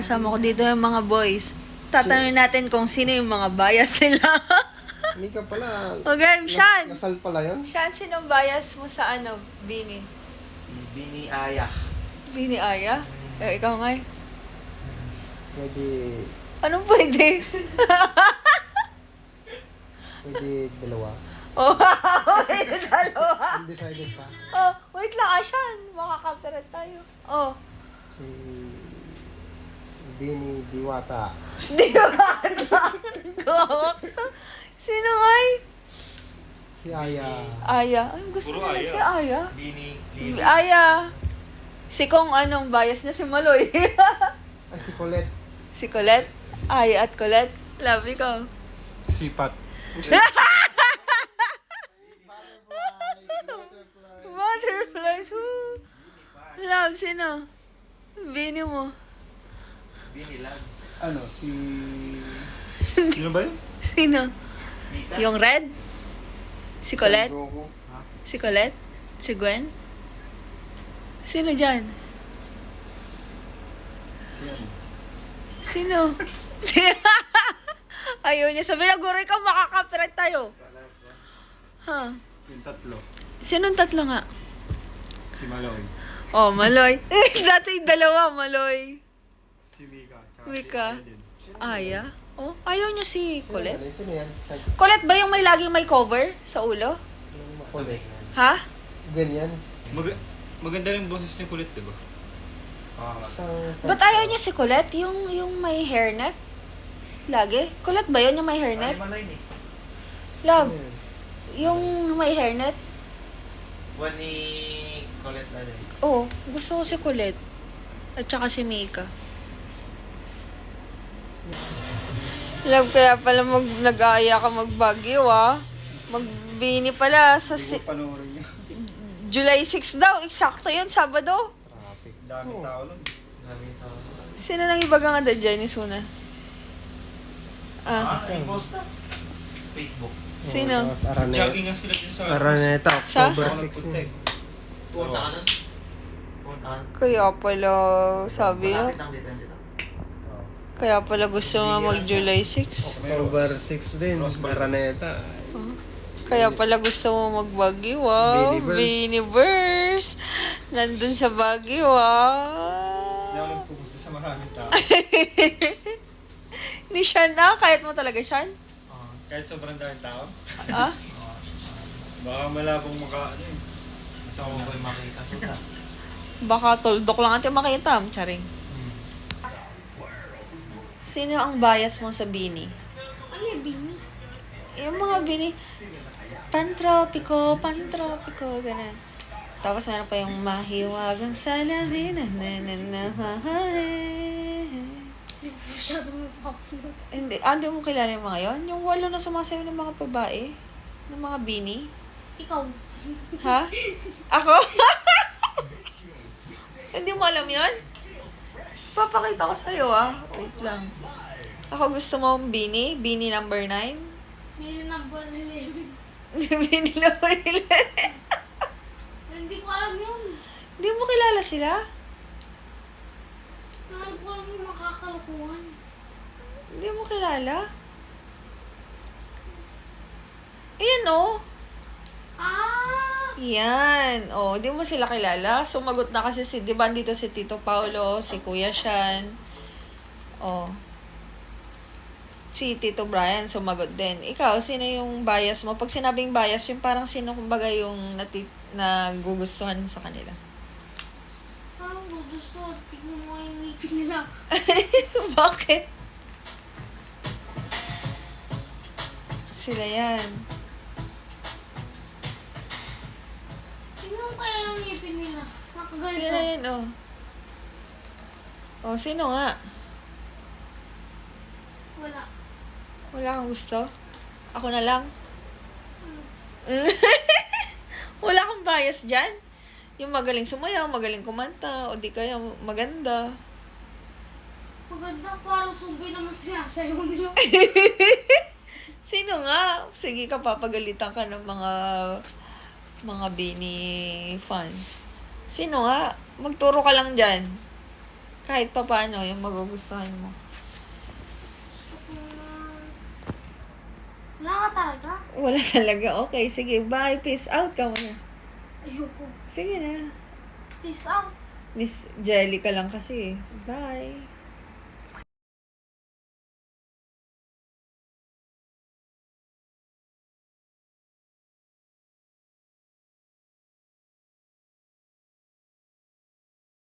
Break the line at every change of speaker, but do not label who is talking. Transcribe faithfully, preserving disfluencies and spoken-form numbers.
Kasama ko dito yung mga boys. Tatanungin natin kung sino yung mga bias nila.
Mika pala.
Okay, Sean.
Nas- Nasal pala yun?
Sean, sino bias mo sa ano, Bini?
Bini Aya.
Bini Aya? Eh, ikaw nga eh.
Pwede,
Anong pwede?
pwede dalawa.
Oh, pwede dalawa.
Undecided pa.
Oh, wait lang ah, Sean. Makaka-copyright tayo. Oh.
Si Bini Diwata.
Di ba? Gawak to. Sino nga eh?
Si Aya.
Aya. Ay, gusto
Puro
nila
Aya.
si Aya.
Bini Lili.
Aya. Si Kong anong bias na si Maloy.
Ay, si Colette.
Si Colette. Aya at Colette. Love you ko.
Sipat.
Butterflies. Woo. Love, sino? Bini mo.
Bini lang.
Ano, si...
Sino ba yun?
Sino?
Mika?
Yung red? Si Colette?
Goku.
Si Colette? Si Gwen? Sino dyan?
Si ano?
Sino? Ayaw niya sabihin na, guro, ikaw makaka-copyright tayo. Ha?
Yung tatlo.
Sinong tatlo nga?
Si Maloy.
Oh, Maloy. Dati yung dalawa, Maloy.
Si Mika. Tsaka
Mika.
si Aya din.
Aya? Oh, ayaw niya si
Sino
Colette?
yan? Sino yan? Tag-
Colette ba yung may laging may cover sa ulo?
yung Colette.
Ha?
Ganyan.
Mag maganda rin boses niya kulit, diba? Ah,
Isang...
Ba't ayaw niya si Colette? Yung, yung may hairnet? Lagi? Colette ba yun yung may hairnet?
Ay, manay ni.
Love,
Ano yun?
yung may hairnet?
One ni Colette na din.
Oo, gusto ko si Colette. At saka si Mika. Love, kaya pala mag, nag-aaya ka mag-Baguio, ah. Magbini pala sa si-
Hindi ko panoorin niya.
July sixth daw. Eksakto yun, Sabado.
Traffic.
Daming
Oh.
tao nun.
Maraming tao.
Sino nang iba nga da dyan, Suna? Ah,
Ah, i-post na. Facebook.
Sino?
Oh, tapos Araneta.
Jogging nga sila dyan sa...
Araneta,
Sa?
October
Ako
six.
nagpunta eh. Punta ka nun? Punta ka.
Kaya pala, sabi yun.
Malapit lang dito, dito.
Kaya pala gusto nga mag-July sixth.
October six din.
Rosebud.
Araneta.
Kaya pala gusto mo mag-Baguio, wow.
Biniverse.
Biniverse. Nandun sa Baguio,
Hindi ako
wow.
nagpupunta sa maraming tao.
Ni Sean na, kahit mo talaga Sean?
Ah, kahit sobrang daming tao.
Ah?
Baka malabong maka... Ano eh.
Gusto ko ba yung makita ko?
Baka tuldok lang natin makita, charing.
Hmm.
Sino ang bias mo sa Bini?
Ano yung bini?
Yung mga Bini, pantropiko, pantropiko, ganun. Tapos meron pa yung mahiwagang salamin, na na na na ha, ha, eh.
Hindi ko masyadong mapapanood.
Hindi, ah, hindi mo kilala yung mga yon? Yung walo na sumasayaw ng mga babae? Ng mga Bini?
Ikaw.
Ha? Ako? Hindi mo alam yon? Papakita ko sa'yo ah. Wait lang. Ako gusto mo ang Bini? Bini number nine?
May number eleven.
Bini number eleven?
Hindi ko alam yun.
Hindi mo kilala sila?
Mahal ko alam yung makakalukuhan.
Hindi mo kilala? Ayan oh.
Ah!
Yan. Oh, di mo sila kilala. Sumagot na kasi si, di ba, dito si Tito Paulo, si Kuya Shan. Oh. Si Tito Brian sumagot din. Ikaw, sino yung bias mo? Pag sinabing bias, yung parang sino kumbaga yung nati, nagugustuhan mo sa kanila?
Parang gusto. Tignan mo yung ngipin nila.
Bakit? Sila yan.
Tignan mo kaya yung ngipin nila.
Sila
Nakaganito.
yan, oh. Oh, sino nga?
Wala.
Wala kang gusto? Ako na lang? Wala kang bias dyan? Yung magaling sumayaw, magaling kumanta, o di kaya maganda.
Maganda. Parang zombie naman sinasayaw nila.
Sino nga? Sige ka, papagalitan ka ng mga mga Bini fans. Sino nga? Magturo ka lang dyan. Kahit pa paano, yung magugustuhan mo.
Gusto ko na... Wala ka talaga?
Wala talaga. Okay, sige. Bye. Peace out ka muna.
Ayoko.
Sige na.
Peace out.
Miss Jelly ka lang kasi. Bye.